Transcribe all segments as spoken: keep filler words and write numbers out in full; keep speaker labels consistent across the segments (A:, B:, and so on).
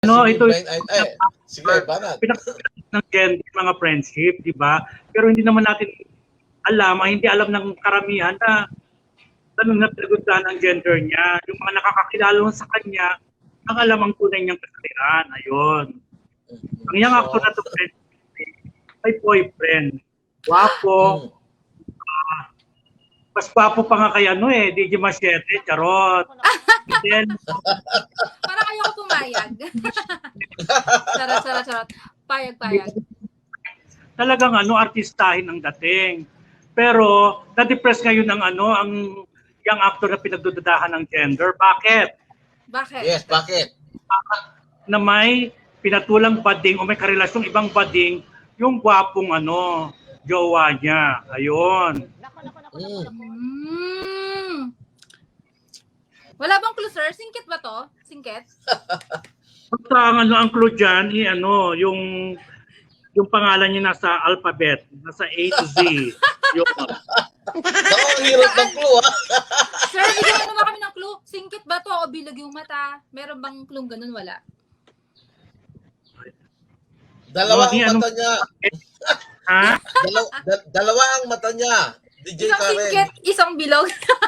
A: No, ito
B: Blind item. Eh, sige, banat.
A: Pinag- ng gender, mga friendship, di ba? Pero hindi naman natin alam, ay hindi alam ng karamihan na tanong na pinagundaan ang gender niya. Yung mga nakakakilala mo sa kanya, ang alam ang tunay niyang kasaliran. Ayun. Ang young actor na to, may boyfriend. Wapo. Uh, mas papo pa nga kay ano eh, D J Machete, charot. Then,
C: parang ayoko pumayag. Charot, charot, charot. Payag, payag.
A: Talagang ano, artistahin ang dating. Pero, na-depress ngayon ang ano, ang young actor na pinagdududahan ng gender. Bakit?
C: Bakit?
B: Yes, bakit?
A: Na may pinatulang bading o may karelasyong ibang bading yung gwapong ano, jowa niya. Ayun.
B: Mm.
C: Mm. Wala bang clue, sir? Singkit ba to? Singkit?
A: Basta ang ano ang clue dyan, i, ano, yung yung pangalan niya nasa alphabet, nasa A to Z. Yun.
B: Ako, ang hirap ng clue, ha?
C: Sir, bigyan mo naman kami ng clue. Singkit ba to o bilog yung mata? Meron bang clue ganun? Wala.
B: Dalawa
A: Hindi,
B: ang
A: anong-
B: mata niya.
A: Ha?
B: Dalaw, da- dalawa ang mata niya. D J
C: Isang
B: Karen.
C: singkit, isang bilog.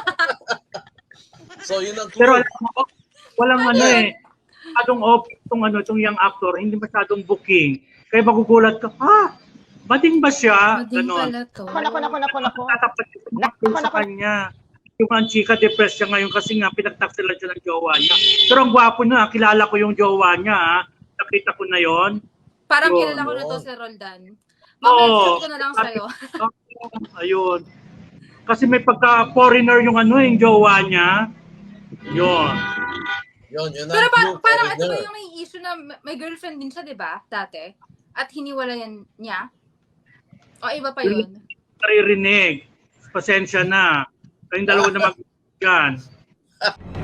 B: So, yun ang
A: Pero
B: clue.
A: alam mo, walang ano eh, masyadong off itong ano, itong young actor, hindi masyadong booking. Kaya magugulat ka, ah, bading ba siya?
C: Mading
A: Ganon.
C: pala to.
D: Nako, nako, nako, nako, nako.
A: Tatapat yung
D: Nako,
A: sa
D: nako.
A: kanya. Yung ang chika, depressed siya ngayon kasi nga pinagtaksilan siya ng jowa niya. Pero ang gwapo niya, kilala ko yung jowa niya. Ha? Nakita ko na yon.
C: Parang
A: Yun,
C: kilala ko na to,
B: yun.
C: Sir Roldan.
A: Oo.
C: Mamaya ko na lang sa'yo.
A: Ayun. Kasi may pagka-foreigner yung ano, yung jowa niya. Yun.
B: Yun, yun ang
C: Pero pa,
B: clue.
C: parang ito ba
B: foreigner.
C: yung may issue na may girlfriend din siya, di ba? Dati. At hiniwalayan niya? O iba pa yun?
A: Naririnig. Pasensya na. Kayong dalawa na mag-yan.